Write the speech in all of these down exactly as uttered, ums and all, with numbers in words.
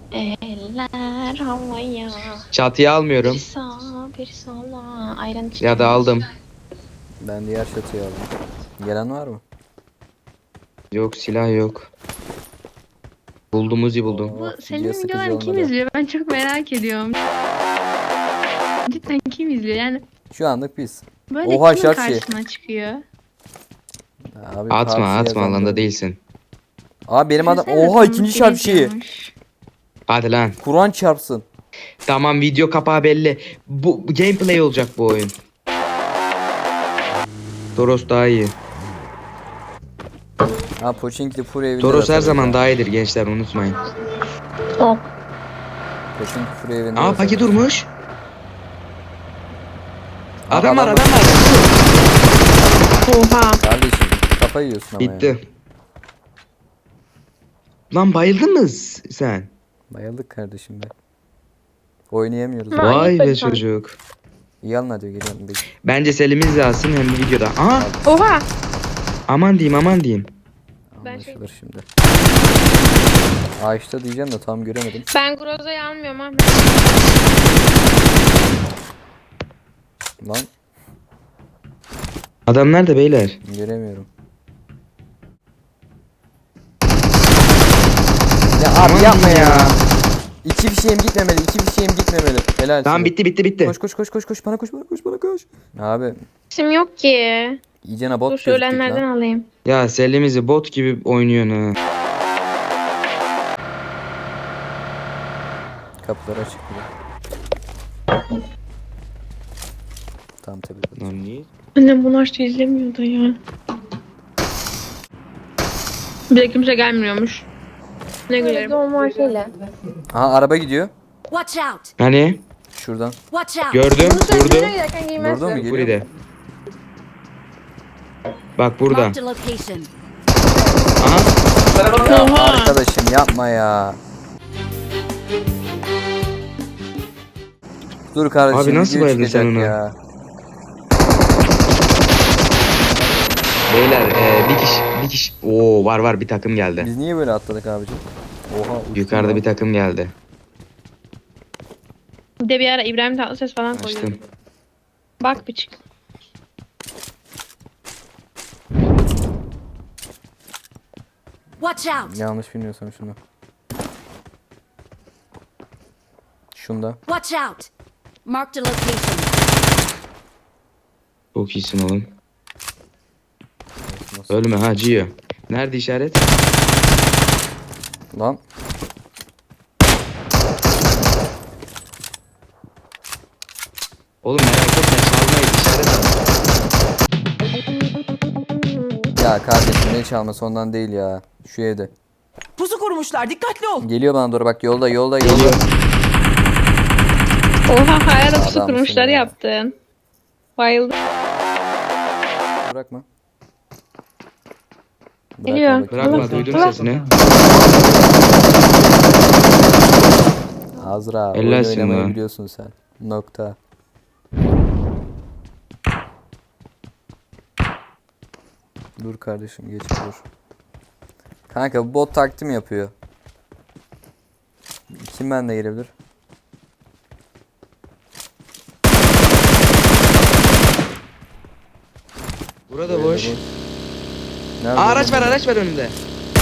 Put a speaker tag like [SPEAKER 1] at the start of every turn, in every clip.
[SPEAKER 1] Eller havaya.
[SPEAKER 2] Çatıya almıyorum.
[SPEAKER 1] Bir sağa bir sola. Ayran içtim.
[SPEAKER 2] Ya da aldım.
[SPEAKER 3] Ben diğer çatıya aldım. Gelen var mı?
[SPEAKER 2] Yok silah yok. Buldum Uzi buldum.
[SPEAKER 3] Oo,
[SPEAKER 1] Bu
[SPEAKER 3] video
[SPEAKER 1] senin
[SPEAKER 3] sıkıcı
[SPEAKER 1] videolarını kim
[SPEAKER 3] olmadı.
[SPEAKER 1] izliyor? Ben çok merak ediyorum. Cidden kim izliyor? Yani
[SPEAKER 3] Şu anlık biz.
[SPEAKER 1] böyle
[SPEAKER 3] Oha,
[SPEAKER 1] kimin
[SPEAKER 3] şart şey.
[SPEAKER 1] karşısına çıkıyor?
[SPEAKER 3] Abi,
[SPEAKER 2] Atma
[SPEAKER 3] P U B G
[SPEAKER 2] atma
[SPEAKER 3] yazan
[SPEAKER 2] alanda
[SPEAKER 3] böyle.
[SPEAKER 2] değilsin.
[SPEAKER 3] Abi benim adam.
[SPEAKER 1] Düşünsene
[SPEAKER 3] Oha,
[SPEAKER 1] sana
[SPEAKER 3] ikinci
[SPEAKER 1] seni
[SPEAKER 3] şarj şeyi.
[SPEAKER 1] izliyormuş.
[SPEAKER 2] Hadi lan.
[SPEAKER 3] Kur'an çarpsın.
[SPEAKER 2] Tamam video kapağı belli. Bu bu gameplay olacak bu oyun. Toros daha iyi.
[SPEAKER 3] Ha, Pochinki full evinde.
[SPEAKER 2] Toros her
[SPEAKER 3] de
[SPEAKER 2] zaman
[SPEAKER 3] atabilir
[SPEAKER 2] daha iyidir gençler unutmayın.
[SPEAKER 1] Ok.
[SPEAKER 3] ha. Pochinki full evinde.
[SPEAKER 2] Aa
[SPEAKER 3] de
[SPEAKER 2] Paki
[SPEAKER 3] atabilir.
[SPEAKER 2] durmuş.
[SPEAKER 3] Aa,
[SPEAKER 2] Adam var
[SPEAKER 3] adam
[SPEAKER 2] adam var.
[SPEAKER 1] Oha.
[SPEAKER 3] Kardeşim kafa yiyorsun ama ya.
[SPEAKER 2] Bitti. Lan bayıldın mı sen?
[SPEAKER 3] Bayıldık kardeşim be. Oynayamıyoruz.
[SPEAKER 1] Ha,
[SPEAKER 3] abi.
[SPEAKER 1] iyi
[SPEAKER 2] Vay be
[SPEAKER 1] bakalım.
[SPEAKER 2] çocuk.
[SPEAKER 3] İyi alın hadi geliyorum. Bek-
[SPEAKER 2] Bence Selim'in alsın hem de videoda. Aha
[SPEAKER 1] Oha.
[SPEAKER 2] aman diyeyim aman diyeyim.
[SPEAKER 1] Ben şey-
[SPEAKER 3] Anlaşılır şimdi. Ağaçta diyeceğim de tam göremedim.
[SPEAKER 1] Ben Groza'yı almıyorum Ahmet.
[SPEAKER 3] Lan
[SPEAKER 2] Adam nerede beyler?
[SPEAKER 3] göremiyorum. Ya abi
[SPEAKER 2] Aman
[SPEAKER 3] yapma
[SPEAKER 2] diyeyim
[SPEAKER 3] ya. İki fişeğim gitmemeli. iki fişeğim gitmemeli. Helal
[SPEAKER 2] Tamam
[SPEAKER 3] sana.
[SPEAKER 2] bitti bitti bitti.
[SPEAKER 3] Koş koş koş koş koş bana koş bana koş bana koş. Abi
[SPEAKER 1] İsim yok ki.
[SPEAKER 3] iyicene bot
[SPEAKER 1] Dur
[SPEAKER 3] gözüktük
[SPEAKER 1] söylenenlerden
[SPEAKER 3] lan.
[SPEAKER 1] alayım.
[SPEAKER 2] Ya Selim'izi bot gibi oynuyorsun ha.
[SPEAKER 3] Kapılar açık bile. Tam tabii.
[SPEAKER 2] Lan niye?
[SPEAKER 1] Annem bunu açtı izlemiyordu ya. Bir de kimse gelmiyormuş. Ne gülerim.
[SPEAKER 4] Normal şeyler.
[SPEAKER 3] Aha araba gidiyor.
[SPEAKER 5] Watch out!
[SPEAKER 2] Hani?
[SPEAKER 3] Şuradan.
[SPEAKER 5] Watch out!
[SPEAKER 2] Gördüm
[SPEAKER 4] Bunu
[SPEAKER 2] durdu.
[SPEAKER 4] sen giderken giymezsin.
[SPEAKER 3] Durdu mu? Geliyor.
[SPEAKER 2] Buraya. Bak burada.
[SPEAKER 5] Marked a location.
[SPEAKER 2] Aha.
[SPEAKER 3] Ya
[SPEAKER 1] Oha.
[SPEAKER 3] arkadaşım yapma ya. Dur kardeşim.
[SPEAKER 2] Abi nasıl
[SPEAKER 3] video
[SPEAKER 2] bayıldın
[SPEAKER 3] çıkacak
[SPEAKER 2] sen ona?
[SPEAKER 3] ya.
[SPEAKER 2] Beyler e, bir kişi bir kişi. Oo var var bir takım geldi.
[SPEAKER 3] Biz niye böyle atladık abicim? Oha. uçtum
[SPEAKER 2] Yukarıda
[SPEAKER 3] lan.
[SPEAKER 2] bir takım geldi.
[SPEAKER 1] Bir de bir ara İbrahim Tatlıses falan koyuyordu.
[SPEAKER 2] Açtım.
[SPEAKER 1] Bak bir çık.
[SPEAKER 5] Watch out!
[SPEAKER 3] Yanlış bilmiyorsam şunu. Şunda.
[SPEAKER 5] Watch out! Marked a location.
[SPEAKER 2] Çok iyisin oğlum.
[SPEAKER 3] Nasıl?
[SPEAKER 2] Ölme ha Gio. Nerede işaret?
[SPEAKER 3] Lan.
[SPEAKER 2] Oğlum merak etme çalmayı işaret al.
[SPEAKER 3] Ya kardeşim ne çalması ondan değil ya. Şu evde.
[SPEAKER 6] Pusu kurmuşlar. Dikkatli ol.
[SPEAKER 3] Geliyor bana doğru bak yolda yolda
[SPEAKER 2] Geliyor.
[SPEAKER 3] yolda.
[SPEAKER 1] Oha hayal pusu
[SPEAKER 3] Adamsın
[SPEAKER 1] kurmuşlar
[SPEAKER 3] ya.
[SPEAKER 1] yaptın. Bayıldım.
[SPEAKER 3] Bırakma.
[SPEAKER 1] Geliyor.
[SPEAKER 3] bakayım.
[SPEAKER 2] Bırakma
[SPEAKER 1] Allah-
[SPEAKER 2] duydum
[SPEAKER 1] Allah.
[SPEAKER 2] sesini.
[SPEAKER 3] Azra oyun
[SPEAKER 2] Ellersin
[SPEAKER 3] oynamayı
[SPEAKER 2] lan.
[SPEAKER 3] biliyorsun sen. Nokta. Dur kardeşim geç dur. Kanka bu bot taktim yapıyor. Kim bende gelebilir?
[SPEAKER 2] Burada boş.
[SPEAKER 3] Nerede
[SPEAKER 2] Aa, araç
[SPEAKER 3] oğlum?
[SPEAKER 2] var araç var önünde.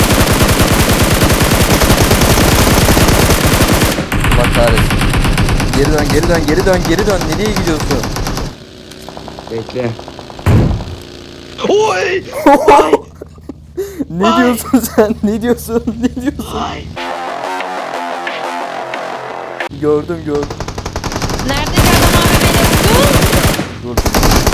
[SPEAKER 3] Allah kahretsin. Geri dön geri dön geri dön geri dön. Nereye gidiyorsun?
[SPEAKER 2] Bekle. Oy!
[SPEAKER 3] Ne diyorsun sen? Ne diyorsun? Ne diyorsun? Gördüm gördüm.
[SPEAKER 1] Nerede adam abi beni vurdu?
[SPEAKER 3] Dur.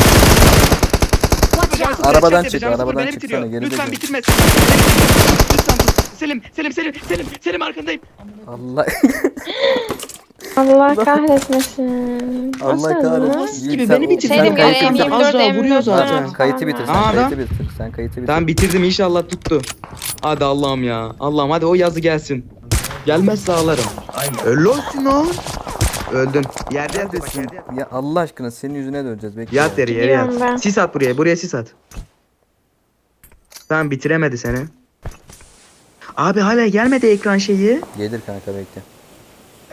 [SPEAKER 5] Watch out!
[SPEAKER 3] Arabadan çık, arabadan çıksana, geri
[SPEAKER 2] Lütfen
[SPEAKER 3] dön.
[SPEAKER 2] bitirme. Lütfen tut. Selim, Selim, Selim, Selim, Selim arkandayım.
[SPEAKER 3] Allah
[SPEAKER 4] Allah kahretmesin.
[SPEAKER 3] Allah
[SPEAKER 4] Nasıl
[SPEAKER 3] kahretsin.
[SPEAKER 4] lan?
[SPEAKER 2] Gibi
[SPEAKER 3] Yiğit,
[SPEAKER 2] beni
[SPEAKER 3] sen-
[SPEAKER 2] bitir.
[SPEAKER 3] sen
[SPEAKER 1] Selim
[SPEAKER 3] kayıtı
[SPEAKER 1] M
[SPEAKER 3] bitir.
[SPEAKER 1] yirmi
[SPEAKER 2] Az
[SPEAKER 1] dört,
[SPEAKER 2] daha
[SPEAKER 1] M
[SPEAKER 2] vuruyor
[SPEAKER 1] yirmi dört
[SPEAKER 2] zaten.
[SPEAKER 1] falan
[SPEAKER 3] Kayıtı bitir sen
[SPEAKER 2] Aa, adam.
[SPEAKER 3] kayıtı bitir. Sen kayıtı bitir.
[SPEAKER 2] Tamam bitirdim inşallah tuttu. Hadi Allah'ım ya. Allah'ım hadi o yazı gelsin. Gelmezse ağlarım. Öl olsun o. Öldün. Yerde yat bak, yerde yat.
[SPEAKER 3] Ya Allah aşkına senin yüzüne döneceğiz bekle.
[SPEAKER 2] Yat yere yere
[SPEAKER 4] Gidiyorum ben.
[SPEAKER 2] yat. Sis at buraya. Buraya sis at. Tamam bitiremedi seni. Abi hala gelmedi ekran şeyi.
[SPEAKER 3] Gelir kanka bekle.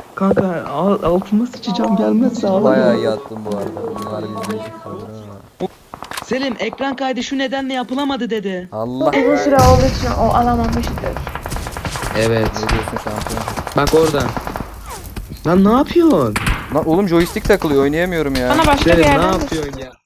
[SPEAKER 2] Kanka al- altıma sıçacağım gelmezse ağlarım.
[SPEAKER 3] Bayağı iyi attın bu arada. Bunlar bilmeyecek kalır ha.
[SPEAKER 2] Selim ekran kaydı şu nedenle yapılamadı dedi.
[SPEAKER 3] Allah.
[SPEAKER 4] Uzun süre olduğu için o alamamıştır.
[SPEAKER 2] Evet.
[SPEAKER 3] Ne diyorsun şampiyon?
[SPEAKER 2] Bak orada. Lan ne yapıyorsun?
[SPEAKER 3] Lan oğlum joystick takılıyor, oynayamıyorum ya.
[SPEAKER 4] Bana başka bir
[SPEAKER 2] Selim ne
[SPEAKER 4] yerden de-
[SPEAKER 2] yapıyorsun ya?